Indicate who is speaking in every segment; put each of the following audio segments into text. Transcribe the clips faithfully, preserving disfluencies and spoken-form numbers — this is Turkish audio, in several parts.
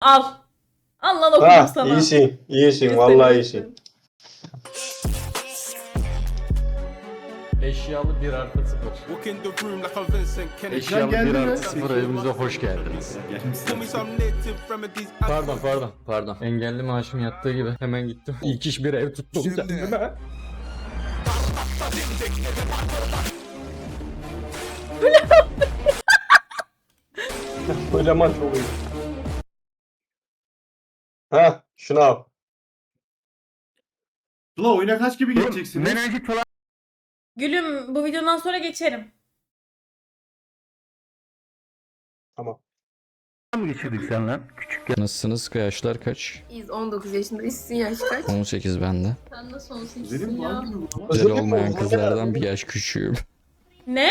Speaker 1: Al. Al lan okudum
Speaker 2: Ha,
Speaker 1: sana.
Speaker 2: iyisin, iyisin,
Speaker 1: Göster,
Speaker 2: vallahi
Speaker 1: göster.
Speaker 2: iyisin.
Speaker 3: Eşyalı bir artı sıfır. Eşyalı bir artı sıfır evimize hoş geldiniz. Pardon pardon pardon. Engelli maaşım yattığı gibi hemen gittim. İlk iş bir ev tuttum kendime.
Speaker 2: Kocaman çok iyi. Ha, şunu al.
Speaker 4: Tula oyuna kaç gibi geçeceksiniz?
Speaker 1: Gülüm bu videodan sonra geçerim.
Speaker 2: Tamam.
Speaker 3: Nasılsınız? Yaşlar kaç?
Speaker 5: Biz on dokuz yaşındayız. Sizin yaş kaç?
Speaker 3: on sekiz bende.
Speaker 5: Sen nasıl on
Speaker 4: Güzelim
Speaker 5: sekizsin
Speaker 4: mi
Speaker 5: ya?
Speaker 4: lan?
Speaker 3: Güzel olmayan kızlardan bir yaş küçüğüm.
Speaker 1: Ne?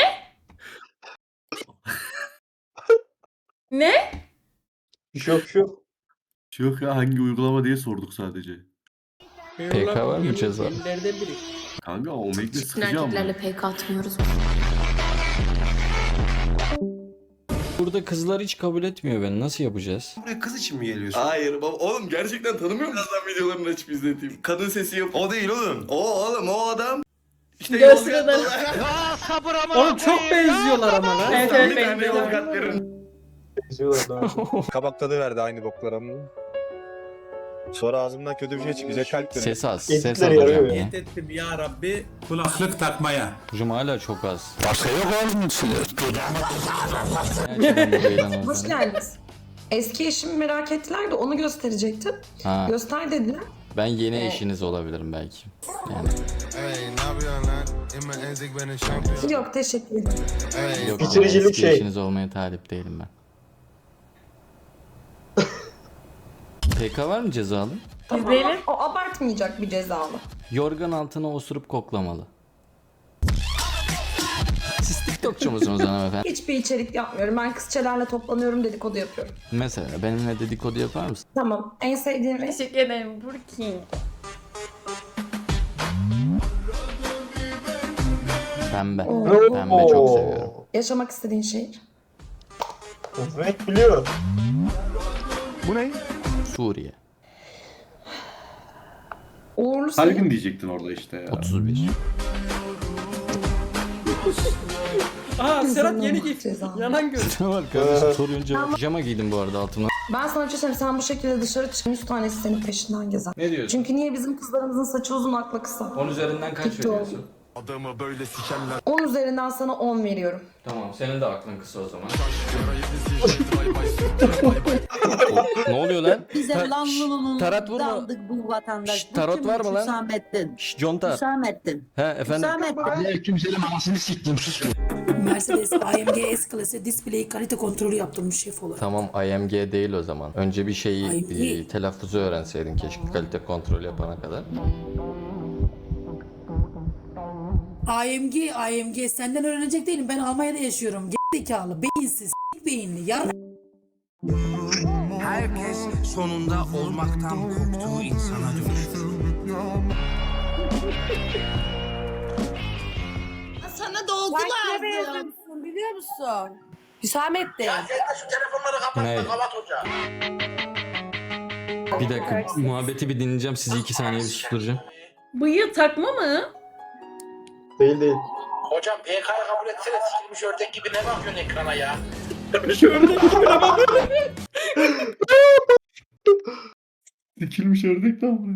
Speaker 1: Ne?
Speaker 2: Bir şey yok, bir şey yok.
Speaker 4: Şey yok ya, hangi uygulama diye sorduk sadece.
Speaker 3: P K var mı ceza?
Speaker 4: Kanka o mekle
Speaker 5: Bütün
Speaker 4: sıkıcı ama.
Speaker 5: erkeklerle P K atmıyoruz.
Speaker 3: Burada kızlar hiç kabul etmiyor beni. Nasıl yapacağız?
Speaker 6: Buraya kız için mi geliyorsun?
Speaker 7: Hayır baba oğlum gerçekten tanımıyor musun? Birazdan videolarını açıp izleteyim. Kadın sesi yap.
Speaker 6: O değil oğlum.
Speaker 7: O oğlum o adam. İşte
Speaker 1: Görsün
Speaker 7: Yozgatlı.
Speaker 1: adamı.
Speaker 8: Oğlum çok benziyorlar ama lan.
Speaker 1: Evet
Speaker 7: Bir
Speaker 1: evet
Speaker 7: tane
Speaker 1: benziyor.
Speaker 7: Yozgat verin.
Speaker 2: Benziyorlar daha.
Speaker 6: Kabak tadı verdi aynı boklara mı? Sonra ağzımdan kötü bir şey çıktı. Bize kalp dönüyor.
Speaker 3: Ses az. Ses
Speaker 2: Editler
Speaker 3: az
Speaker 2: yarıyor
Speaker 3: hocam
Speaker 2: ya.
Speaker 3: ya.
Speaker 8: Niyet ettim ya Rabbi kulaklık takmaya.
Speaker 3: Hocam hala çok az. Başka yok oğlum. Gerçekten bu eğlen
Speaker 9: Hoş
Speaker 3: oldu.
Speaker 9: geldiniz. Eski eşimi merak ettiler de onu gösterecektim.
Speaker 3: Ha,
Speaker 9: Göster dediler.
Speaker 3: ben yeni eşiniz olabilirim belki. Yani
Speaker 9: Yok teşekkür ederim.
Speaker 3: yok.
Speaker 2: Bitiricilik
Speaker 3: eski
Speaker 2: şey.
Speaker 3: eşiniz olmaya talip değilim ben. P K var mı cezalı?
Speaker 1: İzleyelim.
Speaker 9: O abartmayacak bir cezalı.
Speaker 3: Yorgan altına osurup koklamalı. Siz TikTokçu musunuz hanımefendi?
Speaker 9: Hiçbir içerik yapmıyorum. Ben kızçelerle toplanıyorum, dedikodu yapıyorum.
Speaker 3: Mesela benimle dedikodu yapar mısın?
Speaker 9: Tamam. En sevdiğim renk
Speaker 1: Teşekkür ederim Burki.
Speaker 3: Pembe.
Speaker 9: Oo.
Speaker 3: Pembe çok seviyorum.
Speaker 9: yaşamak istediğin şehir.
Speaker 2: Evet biliyor.
Speaker 3: Suriye.
Speaker 9: Uğurlu sayı.
Speaker 4: Saygın diyecektin orada işte ya.
Speaker 3: otuz bir.
Speaker 8: Aa Serhat yeni giy.
Speaker 9: Cezalı.
Speaker 8: Yanan göz.
Speaker 3: Ne var kardeşim sorunca. Pijama giydim bu arada altına.
Speaker 9: Ben sana bir şey söyleyeyim. Sen bu şekilde dışarı çık. yüz tanesi senin peşinden gezer.
Speaker 3: Ne diyorsun?
Speaker 9: Çünkü niye bizim kızlarımızın saçı uzun aklı kısa?
Speaker 3: on üzerinden kaç
Speaker 9: TikTok.
Speaker 3: veriyorsun?
Speaker 9: on üzerinden sana on veriyorum.
Speaker 3: Tamam senin de aklın kısa o zaman. Ne oluyor lan?
Speaker 10: Bize
Speaker 3: Ta-
Speaker 10: lan
Speaker 3: Şşş,
Speaker 10: lulunun
Speaker 3: tarat vurma.
Speaker 10: daldık bu vatandaş.
Speaker 3: Şşş, tarot var mı lan?
Speaker 10: Hüsamettin.
Speaker 3: Şşş conta.
Speaker 10: Hüsamettin.
Speaker 3: He efendim.
Speaker 10: Hüsamettin.
Speaker 11: Mercedes A M G S-Class'e display kalite kontrolü yaptırmış şef olarak.
Speaker 3: Tamam I M G değil o zaman. Önce bir şeyi
Speaker 11: I M G.
Speaker 3: e, telaffuzu öğrenseydin keşke kalite kontrol yapana kadar.
Speaker 11: A M G, A M G senden öğrenecek değilim. Ben Almanya'da yaşıyorum. Gerizekalı, beyinsiz, s**k beyinli, yar...
Speaker 8: Herkes sonunda olmaktan korktuğu insana dönüşür.
Speaker 10: Sana doldular. Biliyor musun? Hüsamettin.
Speaker 3: Ne? Bir dakika muhabbeti bir dinleyeceğim sizi iki saniye bir susturacağım.
Speaker 1: Bıyığı takma mı?
Speaker 2: Değil değil.
Speaker 8: Hocam P K'yı kabul etsene, sikilmiş ördek gibi ne bakıyorsun ekrana ya?
Speaker 4: Sikilmiş ördek de ama.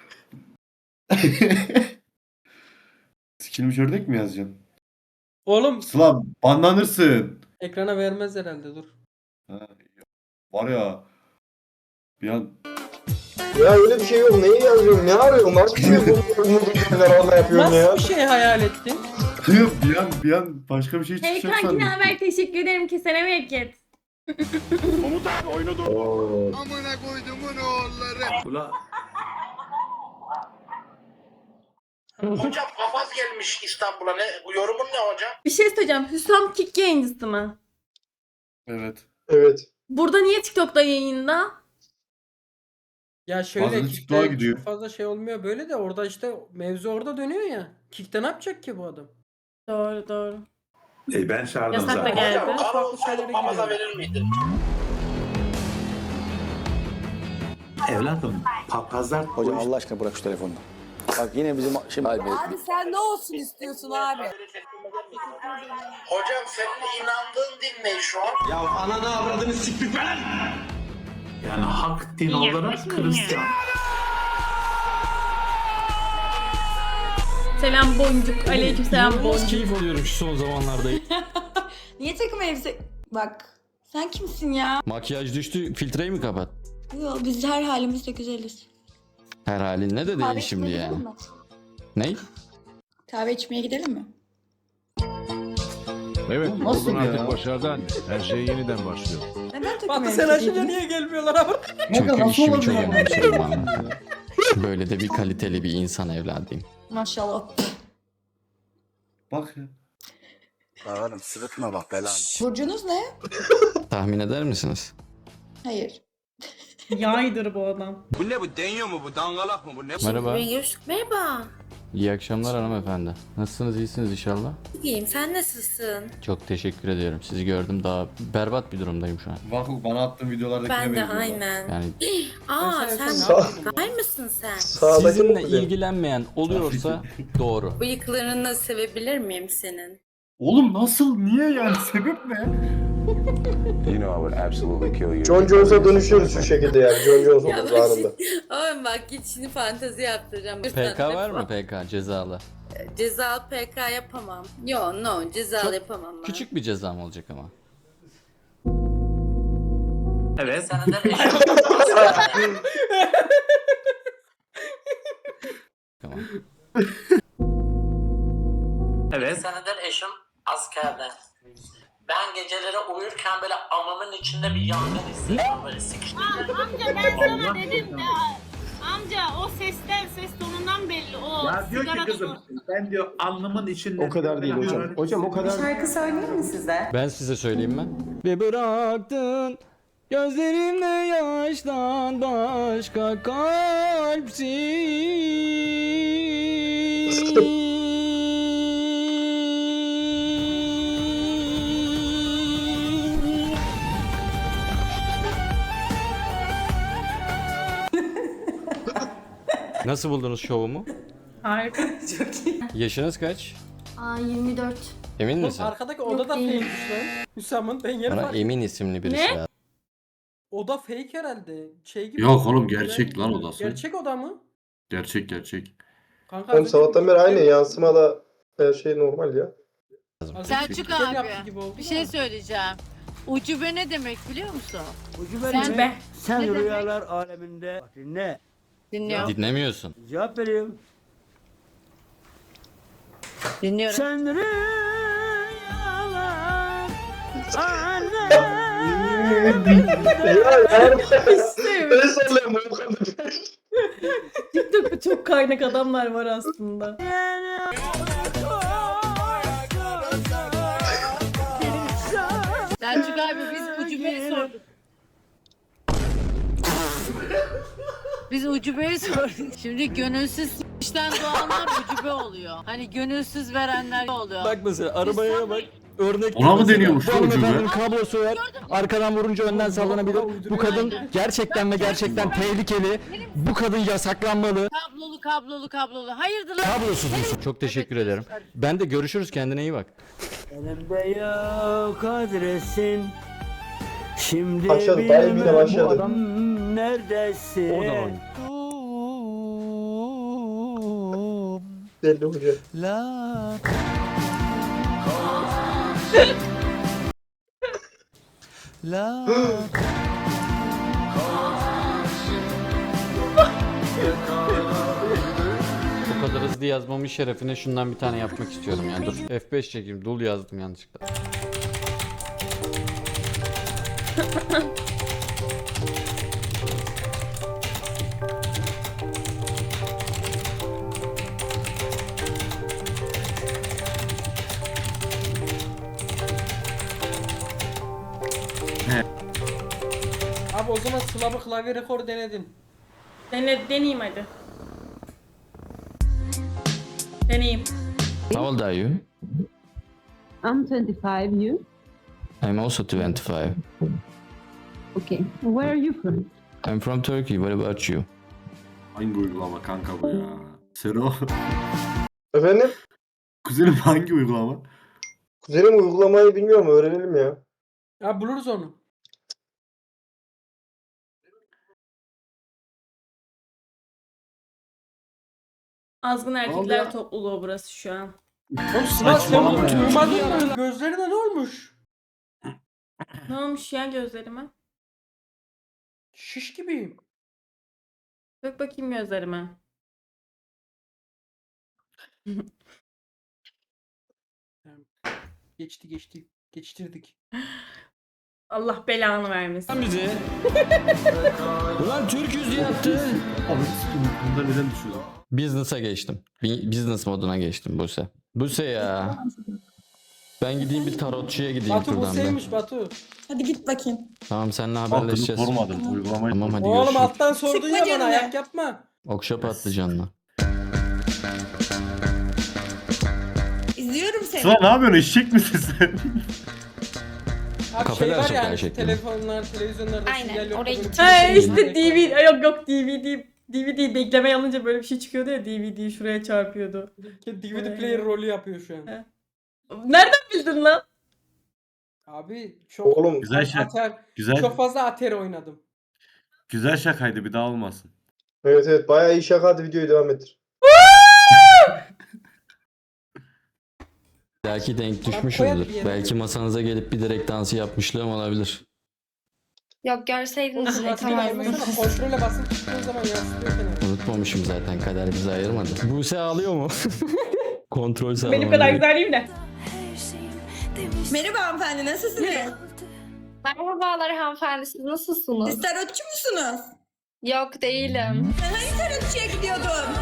Speaker 4: Sikilmiş ördek mi yazacaksın?
Speaker 8: Oğlum
Speaker 4: Sıla banlanırsın.
Speaker 8: ekrana vermez herhalde, dur.
Speaker 4: Ha, var ya. Bir an
Speaker 2: Ya öyle bir şey yok. Neyi yazıyorum? Ne arıyorum? Nasıl bir şey bu? Umudum şeyler orada yapıyorum ya.
Speaker 8: Nasıl bir şey hayal ettin?
Speaker 4: bir an bir an başka bir şey
Speaker 1: Hey
Speaker 4: çıkacak
Speaker 1: kanki ne
Speaker 4: sandım.
Speaker 1: haber? Teşekkür ederim ki sana bereket.
Speaker 2: Oo.
Speaker 4: Ula
Speaker 8: Hocam papaz gelmiş İstanbul'a, ne? Bu yorumun ne hocam?
Speaker 1: Bir şey söyleyeceğim. Hüsam Kick yayıncısı mı?
Speaker 4: evet.
Speaker 2: Evet.
Speaker 1: Burada niye TikTok'ta yayında?
Speaker 8: Ya şöyle
Speaker 4: Bazen
Speaker 8: Kick'te
Speaker 4: TikTok'a gidiyor.
Speaker 8: çok fazla şey olmuyor böyle de, orada işte mevzu orada dönüyor ya. Kick'te ne yapacak ki bu adam?
Speaker 1: Doğru doğru.
Speaker 6: E ben çağırdım
Speaker 1: Yasak da
Speaker 6: zaten.
Speaker 1: geldi.
Speaker 8: Hocam, farklı şeylere giriyor.
Speaker 7: verir miydin?
Speaker 8: Evladım papazlar
Speaker 6: Hocam Allah aşkına bırak şu telefonu. Bak yine bizim şimdi
Speaker 10: Abi sen ne olsun istiyorsun abi?
Speaker 8: Hocam senin inandığın din ne şu an? Ya ananı avradını siktik falan. Yani hak din olarak Hristiyan.
Speaker 1: Selam boncuk. Aleyküm selam
Speaker 3: İnanılmaz
Speaker 1: boncuk.
Speaker 3: keyif alıyorum şu son zamanlarda.
Speaker 9: Niye takım elbise... Bak sen kimsin ya?
Speaker 3: Makyaj düştü, filtreyi mi kapat?
Speaker 9: Yo, biz her halimizde güzeliz.
Speaker 3: Her halin ne de
Speaker 9: Kahve
Speaker 3: değil şimdi
Speaker 9: içmeye
Speaker 3: yani.
Speaker 9: gidelim mi?
Speaker 3: Ney?
Speaker 9: Kahve içmeye gidelim mi?
Speaker 4: Evet.
Speaker 2: Nasıl ya?
Speaker 4: başardan. Her şey yeniden başlıyor.
Speaker 9: Neden takım
Speaker 1: Batı
Speaker 9: elbise
Speaker 1: sen açınca
Speaker 9: giydiniz?
Speaker 1: niye gelmiyorlar abi?
Speaker 3: Çünkü
Speaker 2: nasıl
Speaker 3: işimi
Speaker 2: olabilir
Speaker 3: çok
Speaker 2: ya?
Speaker 3: önemsiyorum abi. Böyle de bir kaliteli bir insan evladıyım.
Speaker 9: Maşallah.
Speaker 4: Bak ya.
Speaker 6: Oğlum sırıtma bak belanı.
Speaker 9: Burcunuz ne?
Speaker 3: Tahmin eder misiniz?
Speaker 9: Hayır.
Speaker 1: Yaydır bu adam.
Speaker 8: Bu ne bu deniyor mu bu dangalak mı bu ne?
Speaker 3: Merhaba.
Speaker 5: Görüştük. Merhaba.
Speaker 3: İyi akşamlar hanımefendi. Nasılsınız, iyisiniz inşallah?
Speaker 5: İyiyim. Sen nasılsın?
Speaker 3: Çok teşekkür ediyorum. Sizi gördüm, daha berbat bir durumdayım şu an.
Speaker 4: Bak bana attığın videolardakine
Speaker 5: Ben de
Speaker 4: benziyor.
Speaker 5: aynen.
Speaker 3: Yani
Speaker 5: Aa sen
Speaker 2: Sağ-
Speaker 5: gay mısın sen?
Speaker 2: Sağdaki
Speaker 3: sizinle
Speaker 2: mi kızım?
Speaker 3: ilgilenmeyen oluyorsa doğru.
Speaker 5: Bıyıklarını sevebilir miyim senin?
Speaker 4: Oğlum nasıl? Niye yani? Sebep ne?
Speaker 2: John Jones'a dönüşüyoruz şu şekilde yani. John Jones
Speaker 5: Ya
Speaker 2: oluruz
Speaker 5: bak
Speaker 2: anında.
Speaker 5: şimdi, ama bak git şimdi fantezi yaptıracağım.
Speaker 3: P K var mı P K cezalı?
Speaker 5: Cezalı P K yapamam. Yo no cezalı
Speaker 3: Çok
Speaker 5: yapamam ben.
Speaker 3: Küçük bir cezam olacak ama.
Speaker 8: Evet.
Speaker 3: Tamam.
Speaker 8: Evet.
Speaker 12: Senedir eşim askerde. Ben geceleri uyurken böyle amamın içinde bir yangın hissediyorum böyle sıkıştırıyorum.
Speaker 1: Amca ben sana dedim de amca o sesten ses tonundan belli o
Speaker 8: Ya diyor ki kızım ben diyor alnımın içinde.
Speaker 6: O kadar değil hocam. Hocam o kadar.
Speaker 9: Şarkı söyleyeyim mi size?
Speaker 3: Ben size söyleyeyim mi? Ve bıraktın gözlerimde yaştan başka kalpsin. Nasıl buldunuz şovumu?
Speaker 1: Harika.
Speaker 9: Çok iyi.
Speaker 3: Yaşınız kaç?
Speaker 5: Aa yirmi dört.
Speaker 3: Emin misin?
Speaker 1: Arkadaki
Speaker 5: oda da
Speaker 1: fake'miş lan. Hüsam'ın ben yeri
Speaker 3: Bana
Speaker 1: var.
Speaker 3: Emin isimli birisi
Speaker 1: Ne?
Speaker 3: lazım.
Speaker 1: Oda fake herhalde. Şey gibi.
Speaker 4: Yok oğlum gerçek lan odası.
Speaker 1: Gerçek oda mı?
Speaker 4: Gerçek gerçek.
Speaker 1: Kanka
Speaker 2: Oğlum sabahtan beri aynı yansımada her şey normal ya.
Speaker 5: Selçuk abi bir şey söyleyeceğim. Ucube ne demek biliyor musun?
Speaker 1: Sen be.
Speaker 5: Sen ne
Speaker 8: Rüyalar aleminde dinle.
Speaker 5: Dinliyorum.
Speaker 3: Dinlemiyorsun.
Speaker 8: Cevap vereyim.
Speaker 5: Dinliyorum.
Speaker 8: Sen rüyalar aleminde.
Speaker 2: Ya yani.
Speaker 1: İşte.
Speaker 2: Ben söyleyeyim bu kadar.
Speaker 1: TikTok'ta çok kaynak adamlar var aslında.
Speaker 5: Selçuk abi biz ucubeyi sorduk. Biz ucubeyi sorduk. Şimdi gönülsüz işten doğanlar ucube oluyor. Hani gönülsüz verenler oluyor.
Speaker 3: Bak mesela arabaya bak. Örnek
Speaker 4: Ona mı
Speaker 3: mesela.
Speaker 4: deniyormuş
Speaker 3: Bu
Speaker 4: lan ucube?
Speaker 3: hanımefendinin kablosu var. Arkadan vurunca önden sallanabilir. Bu kadın gerçekten ve gerçekten tehlikeli. Bu kadın yasaklanmalı.
Speaker 5: Kablolu kablolu kablolu. Hayırdır lan?
Speaker 3: Kablosuz musun? Çok teşekkür ederim. Ben de görüşürüz, kendine iyi bak.
Speaker 8: Elimde yok adresin. Şimdi
Speaker 2: Başladı, dayı yine başladı.
Speaker 8: bu adam neredesin?
Speaker 3: Oradan
Speaker 2: Belli hoca.
Speaker 8: La. La.
Speaker 3: O kadar hızlı yazmamın şerefine şundan bir tane yapmak istiyorum yani. Dur F beş çekeyim. Dul yazdım yanlışlıkla.
Speaker 1: Abi o zaman sılabı klavye rekoru denedin. Dene, deneyeyim hadi. Deneyeyim.
Speaker 3: How old are you?
Speaker 5: I'm twenty-five, you?
Speaker 3: I'm also twenty-five.
Speaker 5: Okay. Where are you from?
Speaker 3: I'm from Turkey. What about you?
Speaker 4: Hangi uygulama kanka bu ya? Sero.
Speaker 2: Efendim?
Speaker 4: Kuzenim hangi uygulama?
Speaker 2: Kuzenim uygulamayı bilmiyorum, öğrenelim ya.
Speaker 1: Ya buluruz onu.
Speaker 10: Azgın
Speaker 4: ya?
Speaker 10: erkekler topluluğu burası şu an.
Speaker 1: Oğlum Sıla sen
Speaker 4: Saçmalama
Speaker 1: bunu
Speaker 4: ya.
Speaker 1: duymadın mı? Gözlerine ne olmuş?
Speaker 10: Ne olmuş ya gözlerime?
Speaker 1: Şiş gibiyim.
Speaker 10: Bak bakayım gözlerime.
Speaker 1: Geçti geçti. Geçtirdik.
Speaker 10: Allah belanı vermesin.
Speaker 3: Bizi. Ulan Türk'üz diye attı.
Speaker 4: Abi bunda neden düşüyor?
Speaker 3: Business'a geçtim. Bi- Business moduna geçtim Buse. Buse ya. Ben gideyim bir tarotçuya gideyim
Speaker 1: Batu bu
Speaker 3: şuradan bir.
Speaker 1: sevmiş Batu.
Speaker 9: Hadi git bakayım.
Speaker 3: Tamam seninle
Speaker 4: Hakkını
Speaker 3: haberleşeceğiz.
Speaker 4: sormadım uygulamayı.
Speaker 3: Tamam hadi
Speaker 1: Oğlum
Speaker 3: görüşürüz.
Speaker 1: alttan sordun
Speaker 9: Sıkma
Speaker 1: ya bana,
Speaker 9: canını.
Speaker 1: ayak yapma.
Speaker 3: Okşa patlıcanla.
Speaker 9: İzliyorum seni.
Speaker 4: Sıla ne yapıyorsun? Eşek misin sen?
Speaker 1: Abi
Speaker 3: Kafeler
Speaker 1: şey var
Speaker 3: sokağı
Speaker 1: ya hani
Speaker 3: şeklinde.
Speaker 1: telefonlar, televizyonlarda
Speaker 9: Aynen,
Speaker 1: sinyal yok.
Speaker 9: oraya
Speaker 1: böyle bir
Speaker 9: gideceğiz.
Speaker 1: şey
Speaker 10: Ha
Speaker 1: yok.
Speaker 10: işte D V D yok yok D V D D V D bekleme alınca böyle bir şey çıkıyordu ya, D V D şuraya çarpıyordu.
Speaker 1: D V D player rolü yapıyor şu an.
Speaker 10: He. Nereden bildin lan?
Speaker 1: Abi çok
Speaker 2: Oğlum
Speaker 4: Güzel şey.
Speaker 1: ater,
Speaker 4: Güzel
Speaker 1: çok fazla Atari oynadım.
Speaker 4: güzel şakaydı, bir daha olmasın.
Speaker 2: evet evet bayağı iyi şaka, hadi videoyu devam ettir.
Speaker 3: Belki denk
Speaker 1: koyarım
Speaker 3: düşmüşüzdür.
Speaker 1: bir yere.
Speaker 3: Belki masanıza gelip bir direkt dansı yapmışlığım olabilir.
Speaker 9: Yok görseydiniz
Speaker 1: Oğlum
Speaker 9: reklam
Speaker 1: Atari
Speaker 9: vermiyorum.
Speaker 1: yapmasana, kontrole basıp tuttuğun zaman yansıtıyor kenara.
Speaker 3: Unutmamışım zaten, kader bizi ayırmadı. Buse ağlıyor mu? Kontrol sağlaman
Speaker 10: Benim kadar
Speaker 3: gerek.
Speaker 10: güzel değil de.
Speaker 9: Merhaba hanımefendi, nasılsınız?
Speaker 10: Merhabalar hanımefendi, siz nasılsınız?
Speaker 9: Siz tarotçu musunuz?
Speaker 10: Yok değilim.
Speaker 9: Sen hangi tarotçuya gidiyordun?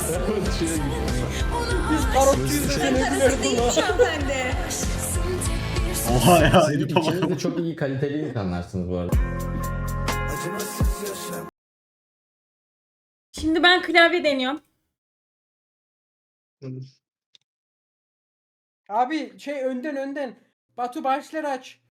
Speaker 1: Biz tarotçuyuz
Speaker 9: Ben
Speaker 1: seni
Speaker 9: tarotçu değilim
Speaker 1: biliyorum.
Speaker 9: şu hanımefendi.
Speaker 4: Oha ya.
Speaker 3: Siz
Speaker 4: Elif'e
Speaker 3: ikiniz
Speaker 4: bak.
Speaker 3: de çok iyi kaliteli insanlarsınız bu arada.
Speaker 10: Şimdi ben klavye deniyorum.
Speaker 1: Abi şey önden önden. Batu başları aç.